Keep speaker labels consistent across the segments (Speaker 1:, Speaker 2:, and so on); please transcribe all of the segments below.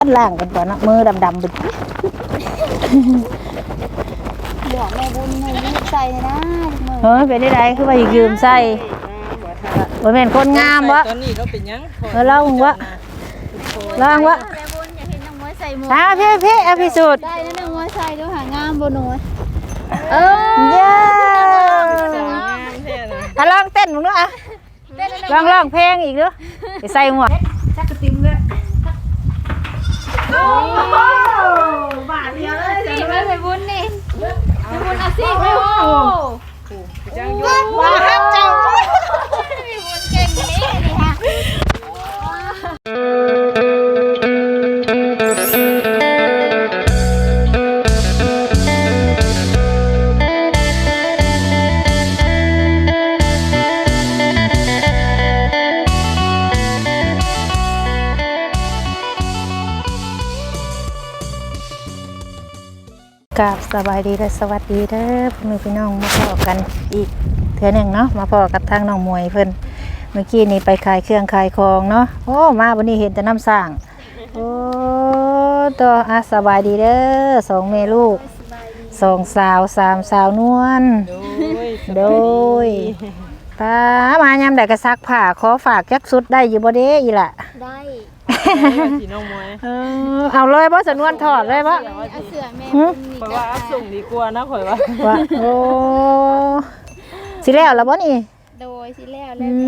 Speaker 1: ล่างกันก่อนนะมือดำๆบึด
Speaker 2: หมวกแม่บุญแม่บุญใส่นะ
Speaker 1: เฮ้ยเป็นได้คือว่ายืมใส่บ่แม่นคนงามวะ
Speaker 3: ตอนนี้เราเป็นยัง
Speaker 1: ลองวะลองวะ
Speaker 2: แม่บุญอยากเห็นน้องมวยใส่หมวก
Speaker 1: พี่เอาพิสูจน์
Speaker 2: ได้นะน้องมวยใส่ด้วยหางามบ่หนู
Speaker 1: เย้
Speaker 3: งามแท้นะ
Speaker 1: ลองเต้นมึงด้วยอ่ะลองเพลงอีกด้วยใส่หมวกชักกระติมเลย
Speaker 2: โอ้บาทเดียวเลยสิแม่บุญนี่แม่บุญอาชีพแม่โอ้
Speaker 3: จังยุ่ง
Speaker 1: ว้าฮักจัง
Speaker 2: แม่บุญเก่งนี้นี่ฮะ
Speaker 1: กับสบายดีและสวัสดีเด้อพ่อแม่พี่น้องมาพอกันอีกเทื่อหนึ่งเนาะมาพอกับทางน้องมวยเพิ่นเมื่อกี้นี่ไปขายเครื่องขายของเนาะโอ้มาวันนี้เห็นแต่น้ำสร้างโอ้ตัวสบายดีเด้อสองแม่ลูกสองสาวสามสาวนวลโดยป้ามายามใดก็ซักผ้าขอฝากจักสุดได้อยู่บ่เด้อีล่ะ
Speaker 2: ได้
Speaker 3: สีน้องมวย
Speaker 1: เอาเลยบ่สนวนถอดเลยบ่
Speaker 2: เอาเสือแม่บุญนี่
Speaker 3: ข่อยว่าส่งดีกว่านะข่อยว่า
Speaker 1: โอ้สิแล้วบ่นี่
Speaker 2: โดยสิแล้ว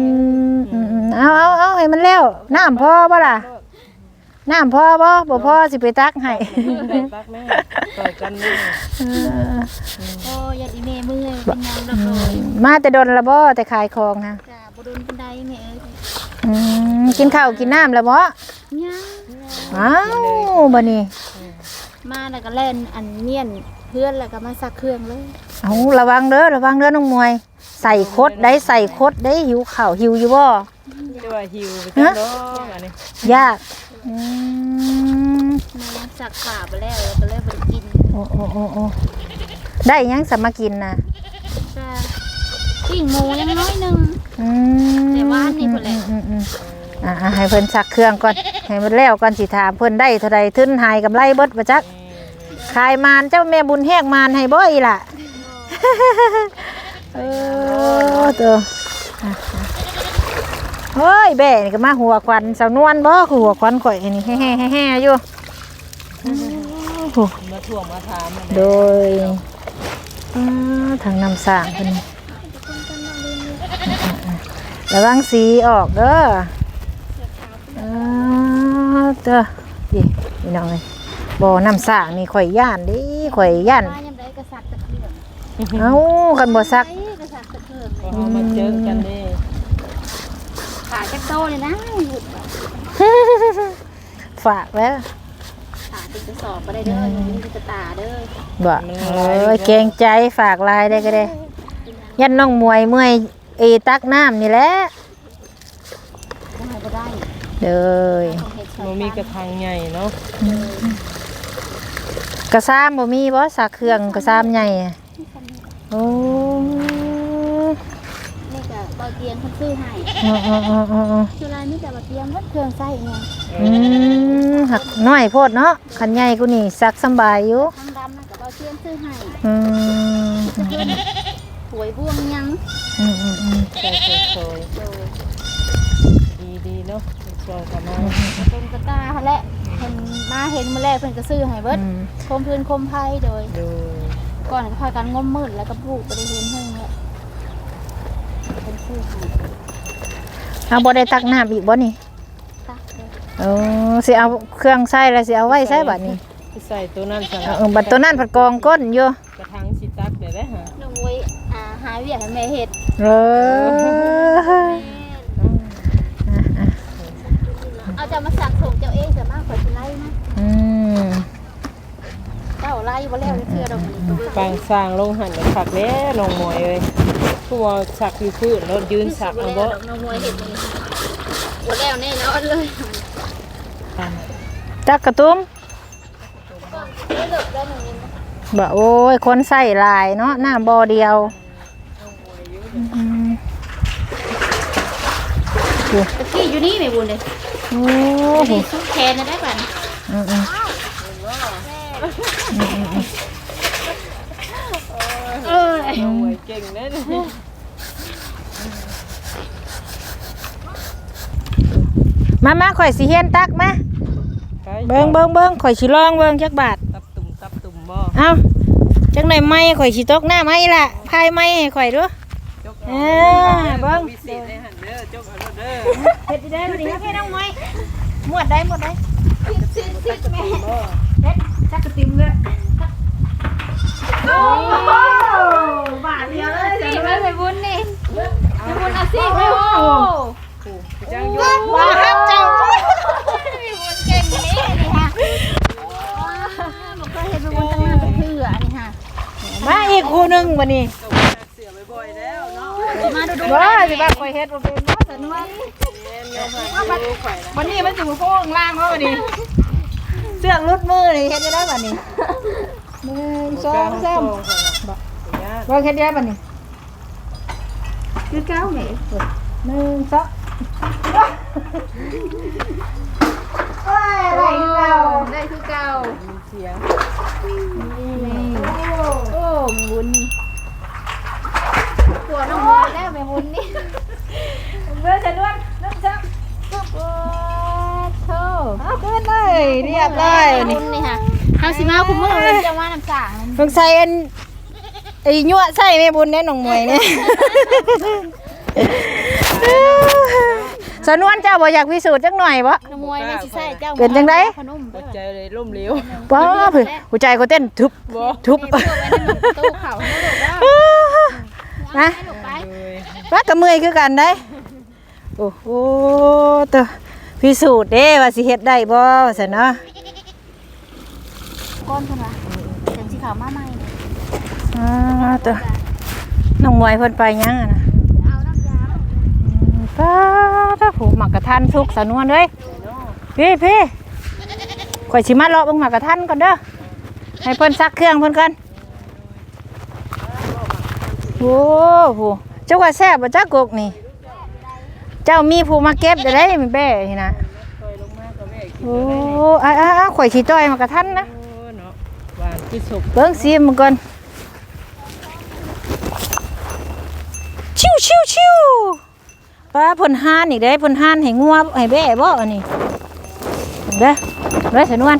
Speaker 1: เอาให้มันแล้วน้ำพอบ่ล่ะน้ำพอบ่พอสิไปตักให้
Speaker 3: ตักแม่ต่อยกันแม่
Speaker 2: โอ้ยอีเมมือเป็นยังดอก
Speaker 1: มาแต่ดนละบ่แต่ขายของนะ
Speaker 2: จ้าบ่โดนปานใดแม่
Speaker 1: กินข้าวกินน้ำแล้วบ่
Speaker 2: ยัง
Speaker 1: อ้าวบ่นี่
Speaker 2: มาแล้วก็เล่นอันเนียนเพื่อนแล้วก็มาซักเครื่องเลย
Speaker 1: เอาระวังเด้อน้องมวยใส่คดได้หิวข้าวหิวอยู่บ่
Speaker 3: จะว่าหิวไปจังดอกอันนี้
Speaker 1: ยาก
Speaker 2: มาซักผ้าไปแล้วก็เลยบ่ได้กิน
Speaker 1: โอ้ได้ยังสมากินน่ะ
Speaker 2: จ้าปิ้งหมูยังน้อยนึงแต่ว่านี่พุ่นแหละ
Speaker 1: ให้เพิ่นซักเครื่องก่อนให้มันแล้วก่อนสิถามเพิ่นได้เท่าใดทุนหายกำไรเบิดบ่จักขายมานเจ้าแม่บุญแฮกมานให้บ่อีล่ะตัวเฮ้ยแบ่นี่ก็มาหัวควันสาวนวลบ่คือหัวควันข่อยนี่แฮ่ๆอยู่
Speaker 3: มาถ่วงมาถาม
Speaker 1: โดยทางน้ำสร้างเพิ่นระวังสีออกเด้อพี่น้องเลยบ่อน้ำสร้างนี่ข่อยย่านดิข่อยย่านเอ้ากันบ่ซัก
Speaker 3: มาเจอกันดิ
Speaker 2: ขาจักโตเลยนะ
Speaker 1: ฝากแล้ว
Speaker 2: ขาติดกระสอบไปได้เด้อมีกระตาเด้อ
Speaker 1: บ่เกรงใจฝากลายได้ก็ได้ยันน้องมวยเมื่อยตักน้ำนี่แหละ
Speaker 2: ได้
Speaker 1: เด้อ
Speaker 3: บ่มีกระถางใหญ่เนาะ
Speaker 1: กระซ้ำบ่มีบ่ซักเครื่องกระซ้ำใหญ่โอ้
Speaker 2: นี่ก็บ่เตียงเพิ่นซื้อให้สุรายมีแต่บ่เตียงเพิ่นเครื่องใช้เนี่ย
Speaker 1: หักน้อยโพดเนาะคันใหญ่กูนี่ซักสบายอยู่
Speaker 2: ทางดำนั่นก็บ่เตียงซื้อให้สวยบ่วงยัง
Speaker 3: สวยดีเนาะสวยกันมา
Speaker 2: เป็นกระตาแหละเพิ่นมาเห็นมื้อแรกเพิ่นก็ซื้อให้เบิดคมพื้นคมไผโดยก่อนก็พากันงมมืดแล้วก็ปลูกบ่ได้เห็นเพิ่นแหละเป็นซื้อให้
Speaker 1: บ่ได้ตักน้ำอีกบ่นี่
Speaker 2: ตัก
Speaker 1: สิเอาเครื่องใส่แล้วสิเอาไว้ใส่บัดนี้
Speaker 3: ใส่ตัวนั้นซะ
Speaker 1: บัดตัวนั้นผัดกองก้นอยู่
Speaker 3: กระถางสิตักได้ฮะ
Speaker 2: น้องมวยหาเวียกให้แม่เฮ็ดเอาจะมาสักส่งเจ้าเองจะมากกว่าสิไล่นะเจ้าไล่บ่แล้วเทื่อดอกนี้
Speaker 3: ปางสร้างลงหันแล้วสักแล้วน้องมวยเอ้ยผู้ว่าสักอยู่พื้นแล้วยืนสักเอาบ่
Speaker 2: น้องมวยเฮ็ดนี่บ่แล้วแน่นอนเลย
Speaker 1: จักกระตุ้มบ่โอ้ยคนใส่ลายเนาะหน้าบ่อเดียว
Speaker 2: ตะกี้อยู่นี่แม่บุญเลยโอ้โหสุดแขนได้ป่ะ
Speaker 1: อืม
Speaker 3: น้องมวยเก่งแน่นี่
Speaker 1: มาข่อยสิเฮียนตักมาเบิ่งข่อยสิลองเบิ่งจักบาท
Speaker 3: ตับตุ่มบ่
Speaker 1: เอ้าจังได๋ไม้ข่อยสิตกหน้าไม้ล่ะพายไม้ให้ข่อยดู
Speaker 3: จก
Speaker 1: เออเบิ่ง
Speaker 3: วิเศษในหันเด้อจกเอาเด้อ
Speaker 1: เฮ็ดได้บ่ดีครับพี่น้องไม้หมวดได้แม่เฮ็ดจักกระติ่มเลยโอ้บาทเดียวเลย
Speaker 2: สิไปบุญนี่ไปบุญเอาสิไปโอ้
Speaker 3: จังอยู่
Speaker 1: ว้าครับเจ้า
Speaker 2: ไปบุญเก่งนี่นี่ค่ะบ่เคยเห็นไปบุญตั้งนานเป็นเถื่อนี่ค่ะ
Speaker 1: มาอีกคู่หนึงบัดนี้
Speaker 3: เสียบ่อยๆแล้วเนาะ
Speaker 2: มาดู
Speaker 1: บ่สิว่าข่อยเฮ็ดบ่เป็นบ่สนวน
Speaker 3: เรียนยอมหันดูข่อยนะ
Speaker 1: วันนี้มันสิบ่โค้งล่างเฮาบัดนี้เสื้อกรุดมือนี่เฮ็ดได้บัดนี้1 2 3บ่เฮ็ดได้บัดนี้คือเก้าแม่1 2โอ้ยอะไรคือเก่า
Speaker 2: ได้คือเก่า
Speaker 3: เสียง
Speaker 2: โอ้แม่บุญนี่ปวดน้องบุญแล้วแม่บุญนี่
Speaker 1: เมื่อจะนวดน้ำจับ
Speaker 2: โอ้โธ่
Speaker 1: เอาขึ้นเลยเรียบร้อยนี่
Speaker 2: บุญนี่ค่ะเฮาสิมาคุมมือมันจะว่าน้ำสาง
Speaker 1: สงสัยอันไอ้ยั่วใส่แม่บุญแน่น้องมวยเนี่ยสนวนเจ้าบ่อยากพิสูจน์จักหน่อยบ่
Speaker 2: ขโมยไม่สิใส่เจ้า
Speaker 1: เป็นจังได๋
Speaker 2: ขนม
Speaker 3: หั
Speaker 2: เด้
Speaker 3: ว
Speaker 2: อ
Speaker 3: ใจเลยล่มเหลว
Speaker 1: ป้าเพิ่นหัวใจเขาเต้นทุบ
Speaker 3: บ่
Speaker 1: ทุบ
Speaker 2: นี่เพื่อไว้ในหลุมประตูเขาให้ลูกเด้อ
Speaker 1: นะ
Speaker 2: ให้ลูกไป
Speaker 3: เลย
Speaker 1: ว่ากับมือคือกันได้โอ้โหตัวพิสูจน์เด้ว่าสิเฮ็ดได้บ่ว่าซั่นเนาะ
Speaker 2: ก้นเพิ่นว่าจังสิเขามาใหม่
Speaker 1: ตัวน้องมวยเพิ่นไปยังอะนะ
Speaker 2: เอาน้ำยา
Speaker 1: ป้าถ้าผูหมักกระทันทุกสนวนเด้ยพี่ข่อยสิมาเลาะเบิ่งหมักกระทันก่อนเด้อให้เพิ่นซักเครื่องเพิ่นก่อนโอ้โหเจ้าว่าแซ่บบ่จักกกนี่ เจ้ามีผู้มาเก็บได้มีแบ่นี่นะ
Speaker 3: คอยลงมาก็แม่กิน
Speaker 1: โอ้ข่อยสิจ้อยหมักกระทันนะ
Speaker 3: โอ้เนาะหวานที่สุก
Speaker 1: เบิ่งซิมก่อนชิวป้าเพิ่นห่านอีกเด้เพิ่นห่านให้งัวให้แบ่บ่อันนี้เด้อเด้อสนวน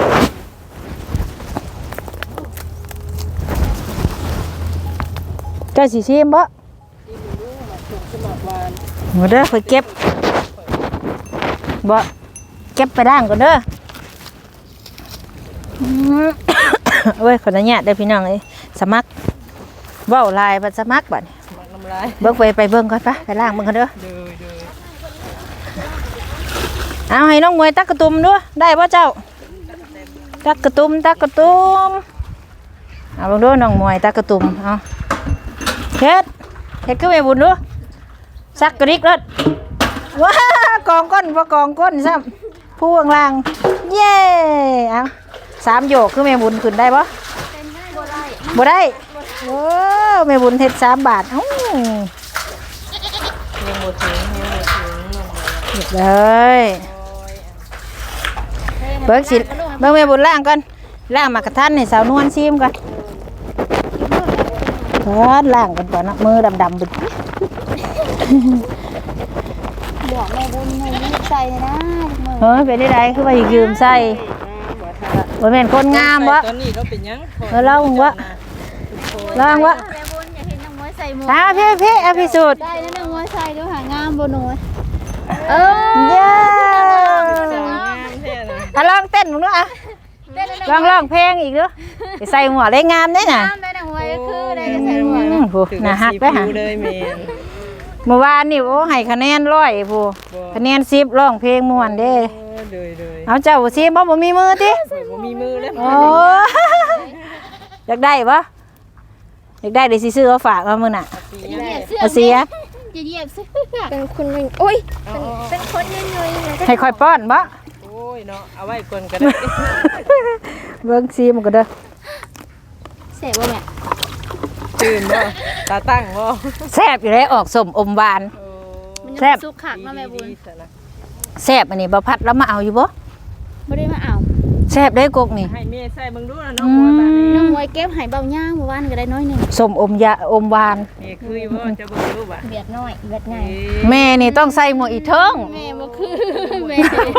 Speaker 1: เจ้าสิซิมบ่บ่เด้อข่อยเก็บบ่เก็บไปด่างก่อนเด้อเว้ยขออนุญาตเด้อพี่น้องเอ้ยสมัครเว้าลายบัดสมัครบัด
Speaker 3: หมักน้ำลาย
Speaker 1: เบิ่งไปเบิ่งก่อนไปล้างเบิ่งกันเด้อ
Speaker 3: เด้อ
Speaker 1: เอาให้น้องมวยตักกระตุ่มด้วยได้ป่ะเจ้าตักกระตุ่มเอาลงด้วยน้องมวยตักกระตุ่มเอาเฮ็ดขึ้นไปบุญด้วยซักกระดิกเลยว้ากองก้นบ่กองก้นซ้ำผู้ข้างล่างเย้เอา3โยกคือแม่บุญขึ้นได้ป่ะ
Speaker 2: เป็นได้บ่ได้
Speaker 1: บ่ได้โอ้แม่บุญเฮ็ด3 บาทเอ้า
Speaker 3: ยังหมดถึง
Speaker 1: เรียบเลยเบิ่งสิเบิ่งแม่บุญล้างก่อนล้างมากระทันให้สาวนวลชิมก่อนล้างกันก่อนนะมือดำๆบึด
Speaker 2: บอกแม่บุญให้รีบใส่เลยนะมือ
Speaker 1: เฮ้ยเป็นได้ไดคือว่ายืมใส่บ่แม่นคนงามบ่
Speaker 3: ตอนนี้เราเป็นยัง
Speaker 1: ลองวะ ลองวะ
Speaker 2: แม่บุญอยากเห็นน้องมวยใส่หมวก
Speaker 1: พี่เอาพิสูจน์
Speaker 2: ได้นะน้องมวยใส่ด้วยหางามบ่หนูเอ
Speaker 1: เย้
Speaker 3: งามแท้นะ
Speaker 1: ลองเต้นมึงดูอ่ะร้องเพลงอีกดูไปใส่หัวได้งามได้น่ะ
Speaker 2: งามได้น้องมวยคือได้ใส่หมวก
Speaker 1: โหน่าฮักไปหา
Speaker 3: เลยแม่
Speaker 1: เมื่อวานนี่โอ้ให้คะแนน100ผู้คะแนน10ร้องเพลงม่วนเด้
Speaker 3: เลย
Speaker 1: เอาเจ้าสิบ่มีมือติ
Speaker 3: บ่มีมือแล้ว
Speaker 1: โอ้ อยากได้ปะอยากได้เดี๋ยวสิซื้อเอาฝากเอามือน่ะ
Speaker 2: เหยียบเสื้อ
Speaker 1: เอาเสีย
Speaker 2: อย่าเหยียบเสื้อเป็นคนเป็นโอ้ยเป็นคนย่อยๆ
Speaker 1: ให้คอยป้อนปะ
Speaker 3: โอ้ยเนาะเอาไว้ก่อนก็ได้
Speaker 1: เบิ่งซีมันก็เด้อ
Speaker 2: เสพบ่แม่
Speaker 3: ตื่นบ่ตาตั้งบ่
Speaker 1: แซ่บอยู่เลยออกสมอมหวาน
Speaker 2: มัน
Speaker 1: แซ่บ
Speaker 2: สุกขักเนาะแม่บุญ
Speaker 1: แซ่บอันนี้บ่พัดแล้วมาเอาอยู่บ่
Speaker 2: บ่ได้มาเอา
Speaker 1: แซ่บได้กกนี่
Speaker 3: ให้แม่ใส่เบิ่งดูนะน้องมวยบาดนี้
Speaker 2: น้องมวยเก็บให้เบาย่างเมื่อวานก็ได้น้อยหนึง
Speaker 1: สมอมยาอมหวาน
Speaker 3: แม่คือบ่จะเบิ่งดูบ่
Speaker 2: เบียดน้อยเบียดใหญ่
Speaker 1: แม่นี่ต้องใส่หมวกอีเทิง
Speaker 2: แม่บ่คือแม่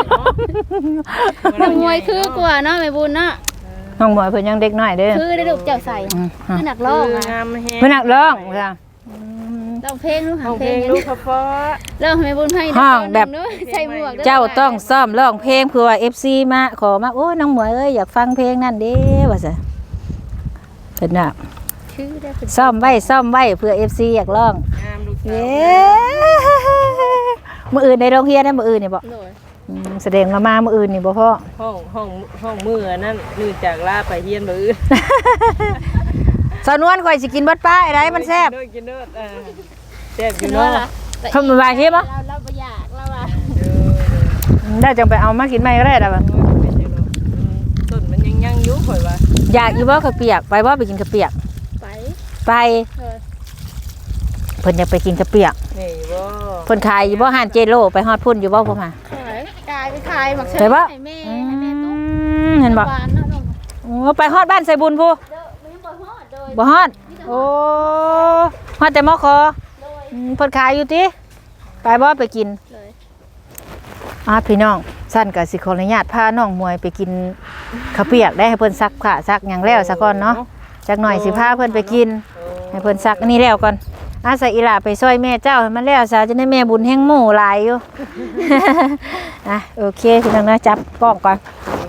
Speaker 2: น้องมวยคือกว่าเนาะแม่บุญเนาะ
Speaker 1: น้องหมวยเพิ่นยังเด็กน้อยเด้อ
Speaker 2: คือได้ลูกเจ้าใส่คือนักร้อง
Speaker 3: งา
Speaker 2: อ่ะ
Speaker 3: มแฮง
Speaker 1: เพิ่นนักร้องค่ะ
Speaker 2: ร้องเพลงดูหา
Speaker 3: ห้อง
Speaker 2: เพ
Speaker 3: เพ
Speaker 2: ล
Speaker 3: ล
Speaker 2: ง
Speaker 3: งลูกพ่อ
Speaker 2: ร้องให้แม่บุญให้
Speaker 1: ห้องแบบ
Speaker 2: ใส่หมวก
Speaker 1: เจ้าต้องซ้อมร้องเพลงเพื่อว่า FC มาขอมาโอ้ยน้องหมวยเอ้ยอยากฟังเพลงนั่นเด้ว่าซั่นเพิ่นน่ะ
Speaker 2: คือได้
Speaker 1: ซ่อมไว้เพื่อ FC อยากร้อง
Speaker 3: งามลูก
Speaker 1: เย้มื้ออื่นในโรงเรียนนะมื้ออื่นนี่บ่
Speaker 2: โดย
Speaker 1: แสดงว่ามามื้ออื่นนี่บ่พ่อ
Speaker 3: ห้องมือนั่นนื่จากลาไปเฮียนบ่อื่น
Speaker 1: สาวนวลข่อยสิกินเบิดป้าไดมันแซ่บ
Speaker 3: กินเด้อแซ่บอยู่
Speaker 2: เนาะ
Speaker 3: เนาะ
Speaker 1: เพิ่นว่าเฮ็ดบ่
Speaker 2: เราบ่อยากเราว่า
Speaker 1: ได้จังไปเอามากินใหม่ก็ได้ล่ะบ่
Speaker 3: ต้นมันยังอยู่ข่อยว่า
Speaker 1: อยากอยู่บ่ข้าวเปียกไปบ่ไปกินข้าวเปียก
Speaker 2: ไป
Speaker 1: ไป เพิ่นอยากไปกินข้าวเปียก
Speaker 3: นี่บ่
Speaker 1: เพิ่นขายอยู่บ่ห้านเจโลไปฮอดพุ่นอยู่บ่พ่อมา
Speaker 2: ขายกายไปขายหมักเช
Speaker 1: ไปบ่
Speaker 2: ให้แม่ตุ๊ก
Speaker 1: เห็นบ่
Speaker 2: หวานเนาะน้อง
Speaker 1: โอ้ไปฮอดบ้านไสบุญพู
Speaker 2: เด้อมันยังบ่ฮอดโดย
Speaker 1: บ่ฮอดโอ้ฮอดแต่มอคอ
Speaker 2: โดย
Speaker 1: เพิ่นขายอยู่ติไปบ่ไปกิน
Speaker 2: เลย
Speaker 1: พี่น้องสั้นก็สิขออนุญาตพาน้องมวยไปกินข้าวเปียกได้ให้เพิ่นซักผ้าซักหยังแล้วซะก่อนเนาะจักหน่อยสิพาเพิ่นไปกินให้เพิ่นซักอันนี้แล้วก่อนอาศัยอีหล่าไปช่วยแม่เจ้าให้มันแล้วซะจะได้แม่บุญแห่งหมู่หลายอยู่ โอเคพี่น้องนะจับกล้องก่อน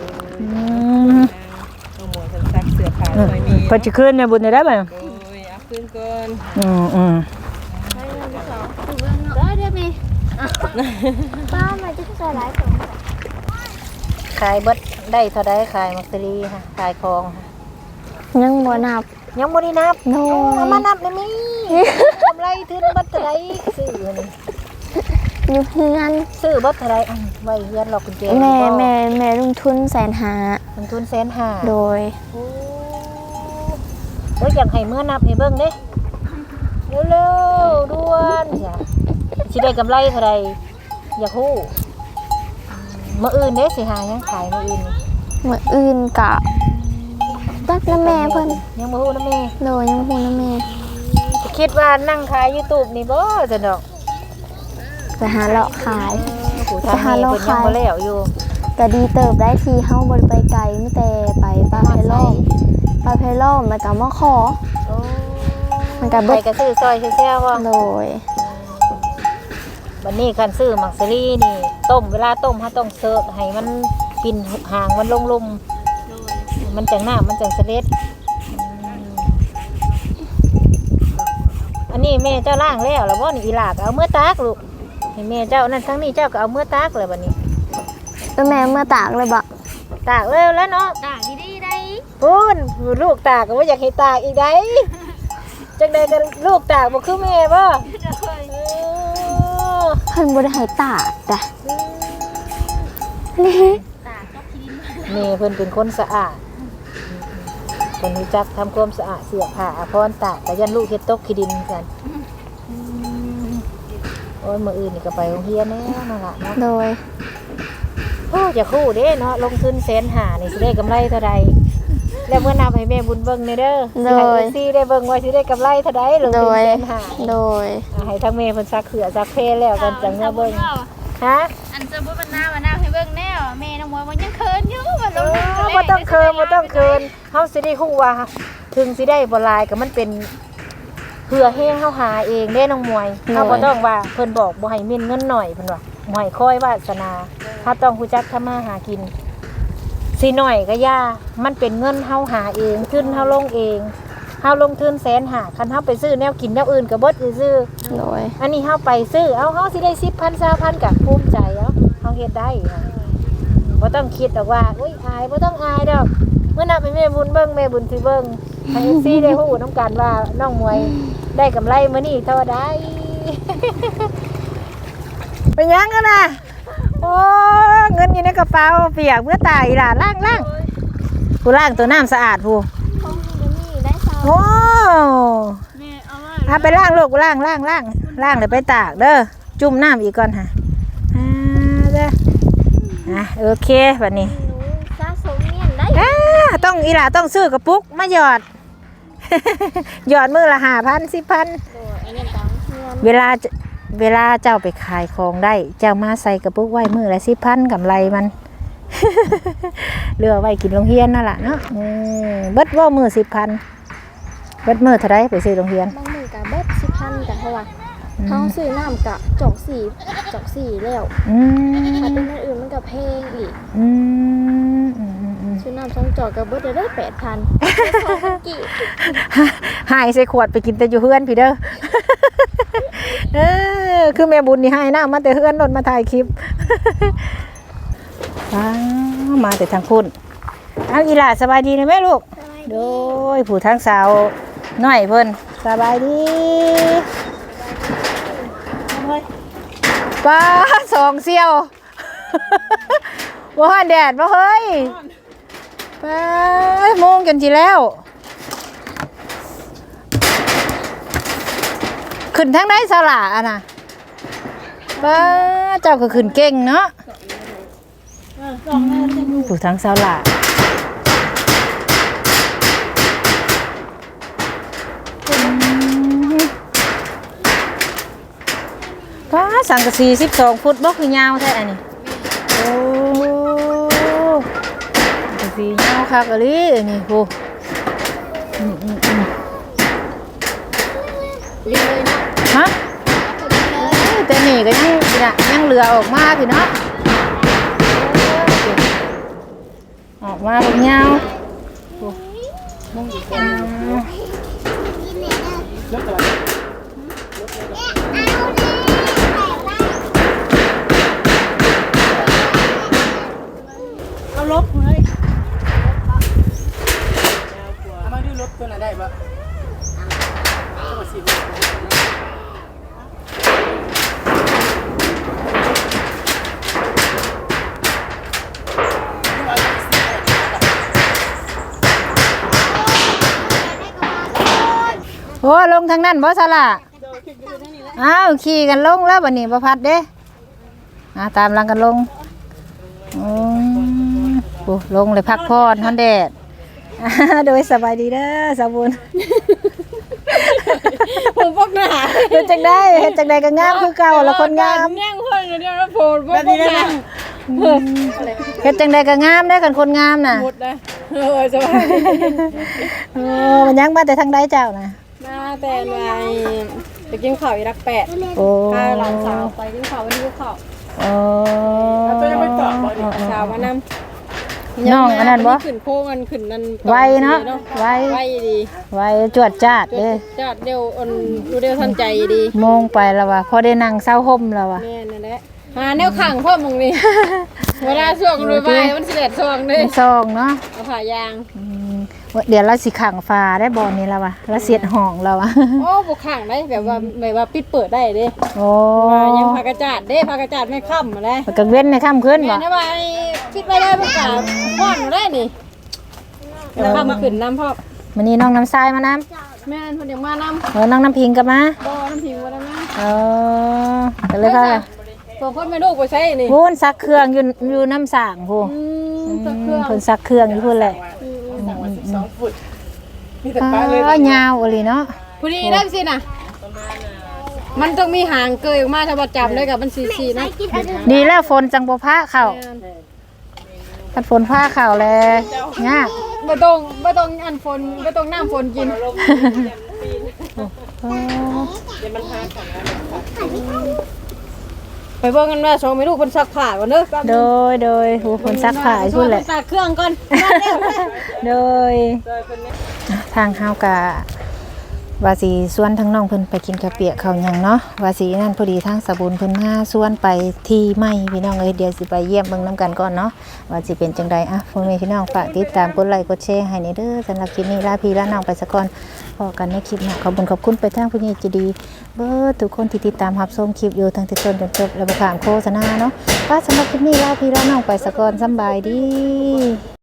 Speaker 3: เอาหมวกซักเสื้อผ้าไว้มี
Speaker 1: เพิ่นสิคืนแม่บุญได้บ่
Speaker 3: โอ้ยเอาขึ้นก่อน
Speaker 2: ไปเรื่องที่สองถูกเรื่องเนาะได้ได้มั้ยป้ามาจะใส่หลายของ
Speaker 1: ขายเบิดได้เท่าใดขายมักซรีค่ะขายของค่ะ
Speaker 2: ยังบ่นับ
Speaker 1: ยังบ่ได้นับ
Speaker 2: โน
Speaker 1: เอามานับได้มั้ยกำไรถึงเบิดเท่าใดซื้อนี่
Speaker 2: อยู่เฮือน
Speaker 1: ซื้อเบิดเท่าใดไว้เฮือนหรอกกุญแจ
Speaker 2: แม่ลงทุน150,000
Speaker 1: มันทุน150,000
Speaker 2: โดย
Speaker 1: โอ้ยอยากให้เมื่อนับให้เบิ่งเด้เร็วๆด่วนจ้ะสิได้กำไรเท่าใดอยากฮู้มื้ออื่นเด้สิหาหยังขายมื้ออื่นนี่
Speaker 2: มื้ออื่นกะตักน้ำแม่เพิ่น
Speaker 1: ยังบ่ฮู้นะแม่
Speaker 2: โดยยังฮู้น้ำแม่
Speaker 1: คิดว่านั่งขาย YouTube นี่บ่ซั่นดอก
Speaker 2: ไปหาเลาะขาย
Speaker 1: ผู้ทางนี้เพิ่นยังบ่แล้วอยู่
Speaker 2: ก็ดีเติบได้ทีเฮาบ่ได้ไปไกลมีแต่ไปปลาไพล้อมแล้วก็มาขอ
Speaker 1: โอ้
Speaker 2: มันก็
Speaker 1: ไป
Speaker 2: เบิด
Speaker 1: ก็ซื้อซอยแซ่ๆบ่
Speaker 2: โดย
Speaker 1: บัดนี้คันซื้อมักซรีนี่ต้มเวลาต้มเฮาต้องเสิร์ฟให้มันปิ่นหางมันลงๆมันจังน้ำมันจังเสด็จอันนี้แม่เจ้าล่างแล้วแล้วบ่นี่อีหลาก็เอามื้อตากลูกให้แม่เจ้านั่นทั้งนี้เจ้าก็เอามื้อตากเลยบัดนี้
Speaker 2: แม่เมื่อตากเลยบ่
Speaker 1: ตากเร็วแล้วเนาะ
Speaker 2: ตากดีๆได้
Speaker 1: พูนลูกตากก็บ่อยากให้ตากอีกได้จังใดก็ลูกตากบ่คือแม่บ่
Speaker 2: เพิ่นบ่ได้ให้ตากจ้ะ
Speaker 1: แม่เพิ่นเป็นคนสะอาดเพิ่นรู้จักทำความสะอาดเสื้อผ้าอาภรณ์ตากก็ยันลูกเฮ็ดตกขี้ดินกันโอ้ยมื้ออื่นนี่ก็ไปโรงเรียนแล้วนั่นล่ะเนาะ
Speaker 2: โดย
Speaker 1: โอ้จะคู่เด้เนาะลงทุน150,000นี่สิได้กำไรเท่าใดแล้วเมื่อนับให้แม่บุญเบิ่งแน่เด้อสิให้ FC ได้เบิ่งว่าสิได้กำไรเท่าใดลง
Speaker 2: โด
Speaker 1: ทุน
Speaker 2: ย
Speaker 1: 150,000
Speaker 2: โดย
Speaker 1: ให้ทั้งแม่เพิ่นซักเขือซักเพแล้วกันจังเมื่อเบิ่งฮะ
Speaker 2: อันจะบ่มันหน้าให้เบิ่งแน่แม่น้องมวยมันยังเคินอยู่ว่าลง
Speaker 1: บ่ต้องเคินเฮาสิได้ฮู้ว่าถึงสิได้บ่หลายก็มันเป็นเพื่อให้เฮาหาเองเด้น้องมวยเฮาบ่ต้องว่าเพิ่นบอกบ่ให้มีเงินหน่อยเพิ่นว่าบ่ให้คอยวาสนาเฮาต้องรู้จักทำมาหากินสิหน่อยก็ย่ามันเป็นเงินเฮาหาเองทุนเฮาลงเองเฮาลงทุน150,000คันเฮาไปซื้อแนวกินแนวอื่นก็เบิดซื่อ
Speaker 2: โดย
Speaker 1: อันนี้เฮาไปซื้อเอาเฮาสิได้10,000 20,000ก็ภูมิใจเอาเฮาเฮ็ดได้ค่ะบ่ต้องคิดดอกว่าอุ้ยอายบ่ต้องอายดอกเมื่อนับให้แม่บุญเบิ่งแม่บุญสิเบิ่งให้ FC ได้ฮู้นํกันว่าน้องมวยได้กำไรมื้อนี้เท่าใด เป็นหยังกันน่ะโอ้เงินอยู่ในกระเป๋าเปียกเมื่อตายอีหล่ะล้างผู้ล้างตัวน้ำสะอาดผู้
Speaker 2: ของนี่ได้ซาว
Speaker 1: โอ้
Speaker 2: แม่เอาไว้
Speaker 1: เอาไปล้างลูกล้างเลยไปตากเด้อจุ่มน้ำอีกก่อนค่ะเด้อโอเคบัดนี้
Speaker 2: สะสมเนี่ย
Speaker 1: ต้องอีหล่าต้องซื้อกระปุกมาหยอด หยอดมือละ5,000 10,000
Speaker 2: อันนี้ตังเงิน
Speaker 1: เวลาเจ้าไปขายของได้เจ้ามาใส่กระปุกไว้มือละ10,000กำไรมัน เหลือไว้กินโรงเรียนนั่นแหละเนาะเบิดว่ามือ10,000เบิดมือเท่าไรไปซื้อโรงเรียน
Speaker 2: บางมือกับเบิด10,000กับเท่าไหร่เขาซื้อน้ำกับจอกสี่แล้วถ้าเป็นอันอื่นมันกับเพลงอีกซื้อน้ำ2 จอกกับเบิดได้8,000กี่
Speaker 1: หายใส่ขวดไปกินแต่อยู่เฮือนพี่เด้อ คือแม่บุญนี่ให้น้ามาแต่เฮือนรถมาถ่ายคลิป มาแต่ทางคุณเอาอีหล่าสบายดีนะแม่ลูกโดยผู้ทางสาวน้อยเพิ่นสบายดีป้า2 เสี่ยว ว่าแดดบ่เฮ้ยป้าโมงจนสิแล้วขึ้นทางไหนสละอ่ะนะป้าเจ้าก็ขึ้นเก่งเนาะผู้ทางสละป้าสังกะสี12 ฟุตบ่คือยาวแท้อันนี้โอ้สังกะสียาวคักอะลินี่โหฮะแต่นี่ก็ยังเหลือออกมาพี่เนาะออกมาเป็นยาว
Speaker 3: เอาลบเลยเอามาดูลบตัวไหนได้ปะ
Speaker 1: โอ้ลงทางนั้นบ่สละอ้าวขี่กันลงแล้วบัดนี้บ่พัดเด้ตามหลังกันลงโอ้ลงเลยพักผ่อนฮอนแดด โดยสบายดีเด้อสาวบุญ
Speaker 2: ผมพกหน้า
Speaker 1: เฮ็ดจังได้ก็งามคือเก่าละคนงาม
Speaker 2: แย่งคนเดียวแล้วโผล่พกหน้า
Speaker 1: เฮ็ดจังได้ก็งามได้อกันคนงามน่ะ
Speaker 2: หมดเลยสบาย
Speaker 1: มันยังมาแต่ทางใดเจ้าน่ะ
Speaker 2: มาแต่ไปกินข้าวอีรัก8
Speaker 1: โอ้
Speaker 2: พาหลานสาวไปกินข้าววันนี้กินข้าว
Speaker 3: ตัวยังไม่ตอบบ่ดิ
Speaker 2: สาวมานำ
Speaker 1: น้องอันนั้นบ่
Speaker 2: ขึ้นโค้งกันขึ้นนั่น
Speaker 1: ไวเนาะไว
Speaker 2: ดี
Speaker 1: ไวจวดจ้าดเด้อ
Speaker 2: จัดเร็วดูเร็วทันใจดี
Speaker 1: โมงไปแล้วว่ะพอได้นั่งเศร้าห่มแล้วว่ะ
Speaker 2: แม่นั่นแหละหาแนวขังพ่อมึงนี่ เวลาช่วงรวยไปมันสิเด็ดช่วงเลย
Speaker 1: ซองเนาะ
Speaker 2: เอาผ่ายาง
Speaker 1: เดี๋ยวเราสิขังฟ้าได้บ่อนี้แล้วว่ะแล้วเสียดห้องแล้วว่ะ
Speaker 2: โอ้บุกขังได้แบบว่าปิดเปิดได้เด้
Speaker 1: โอ้
Speaker 2: ยังพากระจาดเด้พากระจาดไม่ค่ำมาได้
Speaker 1: กังเว้นในค่ำขึ้นบ่
Speaker 2: แม่นะว่าปิดไปได้มันกับพ่อนได้นี่แล้วค่ำมาขึ้นน้ำพ่อ
Speaker 1: วันนี้น้องน้ำทรายมาน้
Speaker 2: แม่คนเดียวมาน้ำ
Speaker 1: ำน้องน้ำพิงกลับมา
Speaker 2: บ่อน้ำผิวมาแล้วนะ
Speaker 1: กันเลยค่ะ
Speaker 2: ตัวคนไม่ลูกไปใช้นี่
Speaker 1: พูนซักเครื่องอยู่น้ำสางพู
Speaker 2: ตัวเครื่อง
Speaker 1: เพิ่นซักเครื่องอยู่พูนแหละ
Speaker 3: 12 ฟุตมีแต่ปลาเลย
Speaker 1: ยาวอะไรเนาะ
Speaker 2: พอดีได้สินะมันต้องมีหางเกยออกมาถ้าว่าจับได้กับมันสีนะ
Speaker 1: ดีแล้วฝนจังบ่พาเข้าพัดฝนพาเข้าแล้วยาก
Speaker 2: ไม่ต้องอันฝนไม่ต้องน้ำฝนกิน ไปเบิ่งกันว่าสองไม่ลูกคนซักผ้าก่อนเด้อ
Speaker 1: โดยหูฝนซักผ้าพูนแหละ
Speaker 2: ซักเครื่องก่อน
Speaker 1: โดยทางเฮากะว่าสีส่วนทั้งน้องเพิ่นไปกินกะเปียกเขาหยังเนาะว่าสีนั่นพอดีทางสบุญเพิ่นมาส่วนไปที่ไม่พี่น้องเอ้ยเดี๋ยวสิไปเยี่ยมเบิ่งน้ำกันก่อนเนาะว่าสิเป็นจังใดอ่ะพ่อแม่พี่น้องฝากติดตามกดไลค์กดแชร์ให้ในเด้อสำหรับคลิปนี้ลาพี่ลาน้องไปซะก่อนพอกันในคลิปหน้าขอบคุณไปทางผู้ใหญ่ใจดีเบิดทุกคนที่ติดตามรับชมคลิปอยู่ทั้งแต่ต้นจนจบและบ่ข้ามโฆษณาเนาะก็สำหรับคลิปนี้ลาพี่ลาน้องไปซะก่อนสำบายดี